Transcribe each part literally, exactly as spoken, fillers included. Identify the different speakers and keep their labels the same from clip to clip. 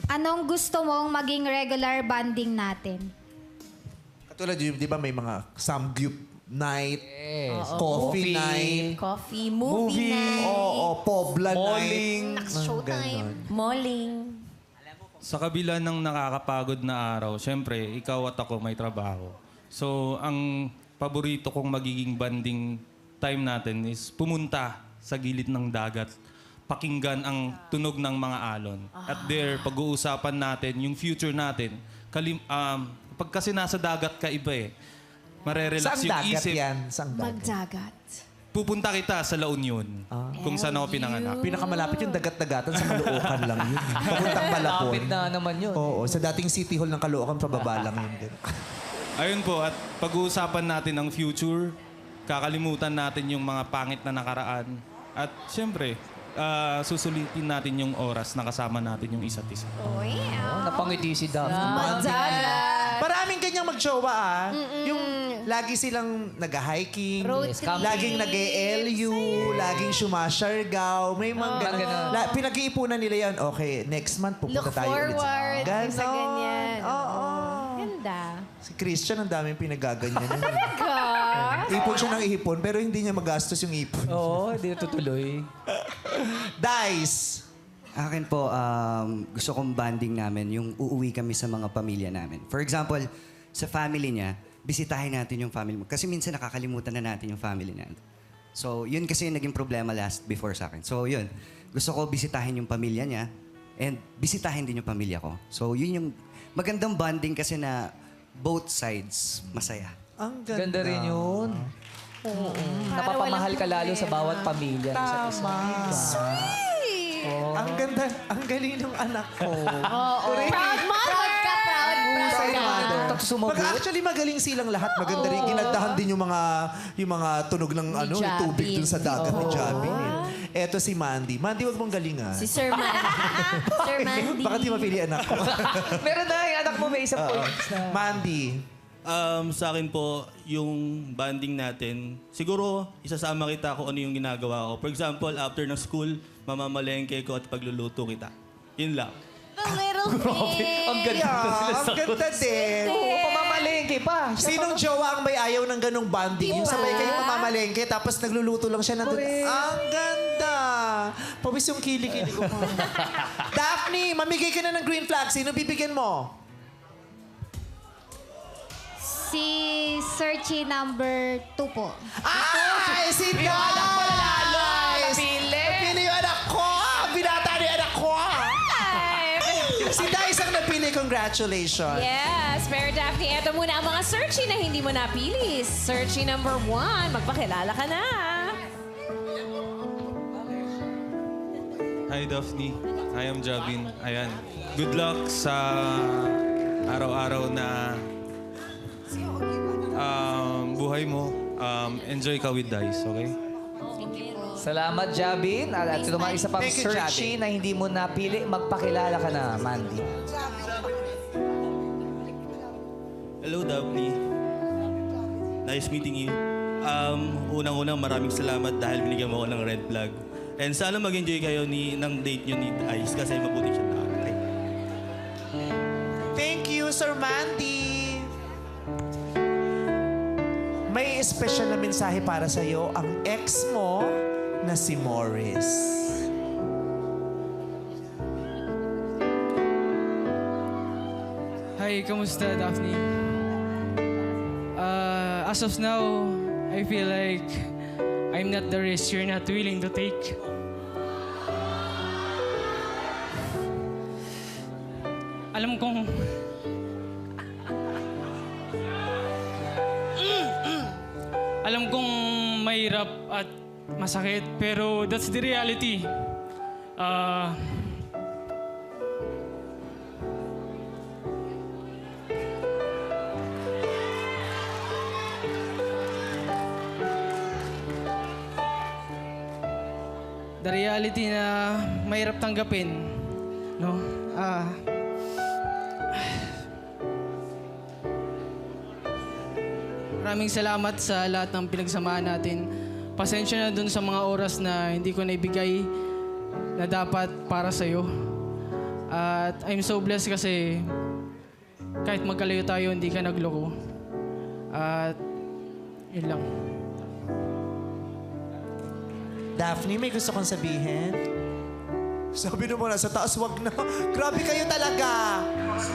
Speaker 1: Anong gusto mong maging regular bonding natin?
Speaker 2: Katulad yun, di ba may mga samgyup night,
Speaker 3: Yes.
Speaker 2: coffee, night,
Speaker 4: Coffee, movie,
Speaker 2: movie,
Speaker 4: night,
Speaker 2: oo, pobla
Speaker 3: Malling.
Speaker 2: night.
Speaker 4: Naks, showtime,
Speaker 2: Ganon.
Speaker 4: malling.
Speaker 5: Sa kabila ng nakakapagod na araw, syempre, ikaw at ako may trabaho. So, ang paborito kong magiging banding time natin is pumunta sa gilid ng dagat, pakinggan ang tunog ng mga alon. At there, pag-uusapan natin yung future natin. Kalim, um, pag kasi nasa dagat ka, iba eh. Marerelax
Speaker 2: Saan
Speaker 5: yung
Speaker 2: dagat
Speaker 5: isip.
Speaker 2: yan? Saan dagat?
Speaker 1: Magdagat.
Speaker 5: Pupunta kita sa La Union, kung saan ako pinanganak.
Speaker 2: Pinakamalapit yung dagat-dagatan sa Caloocan lang yun. Papuntang Malapon.
Speaker 3: Lapit na naman yun.
Speaker 2: Oo, sa dating City Hall ng Caloocan, pababa lang yun din.
Speaker 5: Ayun po, at pag-uusapan natin ang future, kakalimutan natin yung mga pangit na nakaraan. At siyempre, ah, susulitin natin yung oras na kasama natin yung isa't isa.
Speaker 4: Oh, yeah.
Speaker 3: Napangiti si Daphne.
Speaker 4: Magdagat.
Speaker 2: Maraming ganyang magjowa ah. Yung lagi silang nag-hiking,
Speaker 4: Road
Speaker 3: Yes,
Speaker 4: trip.
Speaker 3: camping.
Speaker 2: laging nag-E L U, laging sumasyargaw, may mga ganun.
Speaker 3: ganun.
Speaker 2: La- pinag-iipunan nila yan. Okay, next month pupunta
Speaker 4: Look
Speaker 2: tayo ulit.
Speaker 4: forward
Speaker 2: Ganon.
Speaker 4: sa ganyan.
Speaker 2: Oo.
Speaker 4: Ganda.
Speaker 2: Si Christian, ang daming pinagaganyan. yun.
Speaker 4: Ka?
Speaker 2: Ipon siya ng ipon, pero hindi niya magastos yung ipon.
Speaker 3: Oo, hindi na tutuloy.
Speaker 2: Dice!
Speaker 6: Akin po, um, gusto kong banding namin yung uuwi kami sa mga pamilya namin. For example, sa family niya, bisitahin natin yung family mo. Kasi minsan nakakalimutan na natin yung family natin. So, yun kasi yung naging problema last before sa akin. So, yun. Gusto ko bisitahin yung pamilya niya and bisitahin din yung pamilya ko. So, yun yung magandang banding kasi na both sides masaya.
Speaker 2: Ang
Speaker 3: Ganda
Speaker 2: ganda.
Speaker 3: rin yun. Oo. Napapamahal ka lalo sa bawat pamilya.
Speaker 2: Tama. Ang ganda. Ang galing ng anak ko.
Speaker 4: Oo. Proud mother. Proud ka, proud, proud
Speaker 2: Sorry,
Speaker 4: ka.
Speaker 2: mother.
Speaker 3: Tapos sumagot.
Speaker 2: Mag actually magaling silang lahat. Maganda rin. Ginagdahan din yung mga yung mga tunog ng ano,
Speaker 4: Jabin.
Speaker 2: tubig dun sa dagat ni Jabin. Eh. Eto si Mandy. Mandy, wag mong galingan.
Speaker 4: Si Sir Mandy. Sir Mandy.
Speaker 2: Baka di mapili anak ko.
Speaker 3: Meron na yung anak mo may isang points na.
Speaker 2: Mandy.
Speaker 7: Um, sa akin po, yung banding natin, siguro isasama kita kung ano yung ginagawa ko. For example, after ng school, mamamalengke ko at pagluluto kita. Yun lang.
Speaker 4: The little thing.
Speaker 3: Ang ganda
Speaker 2: Yeah,
Speaker 3: sila
Speaker 2: ang ganda din.
Speaker 3: Oo, pamamalengke pa. Siya
Speaker 2: Sinong jowa ang may ayaw ng ganong banding? Yung sabay kayo pamamalengke, tapos nagluluto lang siya nandun. Ang ganda! Pawis yung kilikili ko pa. Daphne, mamigay ka na ng green flag. Sino bibigyan mo?
Speaker 1: Si Searchy number two po.
Speaker 2: Ay! Si Dice!
Speaker 3: anak ko lalo. Napili.
Speaker 2: Napili yung anak ko! Binata ni anak ko! Si Dice ang napili. Congratulations.
Speaker 4: Yes, pero Daphne, eto muna ang mga searchy na hindi mo napili. Searchy number one, magpakilala ka na.
Speaker 5: Hi, Daphne. I am Jabin. Ayan. Good luck sa araw-araw na um, buhay mo. Um, enjoy ka with Dice, okay?
Speaker 3: Salamat, Jabin. At ito naman isa pang
Speaker 2: Thank you,
Speaker 3: searchy
Speaker 2: Jabin.
Speaker 3: na hindi mo napili. Magpakilala ka na, Mandy.
Speaker 7: Hello, Daphne. Nice meeting you. Um, unang-unang maraming salamat dahil binigyan mo ako ng red flag. And sana mag-enjoy kayo ni, ng date nyo ni Ice kasi mabuti siya tao. Okay?
Speaker 2: Thank you, Sir Mandy. May special na mensahe para sa iyo ang ex mo na si Morris.
Speaker 8: Hi, kamusta, Daphne? Uh, as of now, I feel like I'm not the risk you're not willing to take. Alam kong... Alam kong mahirap at masakit, pero that's the reality. Uh, the reality na mahirap tanggapin, no? Ah. Maraming salamat sa lahat ng pinagsamahan natin. Pasensya na dun sa mga oras na hindi ko naibigay na dapat para sa'yo. At I'm so blessed kasi kahit magkalayo tayo, hindi ka nagloko. At yun lang.
Speaker 2: Daphne, may gusto kong sabihin? Sabi mo na, sa taas wag na. Grabe kayo talaga.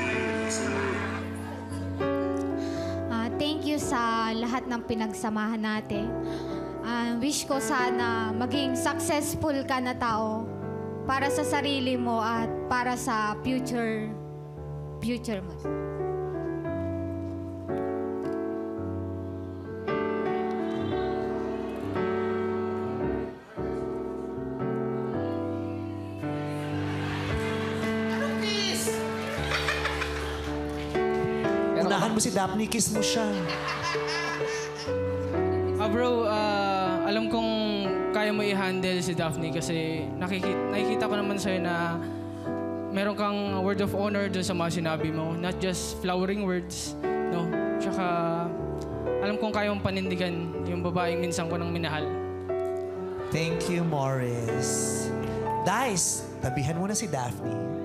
Speaker 1: Ah, thank you sa lahat ng pinagsamahan natin. Ah, wish ko sana maging successful ka na tao para sa sarili mo at para sa future future mo.
Speaker 2: Unahan mo si Daphne, kiss mo siya.
Speaker 8: Ah bro, ah, alam kong kaya mo i-handle si Daphne kasi nakikita, nakikita ko naman sa'yo na meron kang word of honor dun sa mga sinabi mo. Not just flowering words, no? Tsaka alam kong kaya mong panindigan yung babaeng minsan ko nang minahal.
Speaker 2: Thank you, Morris. Dice, tabihan mo na si Daphne.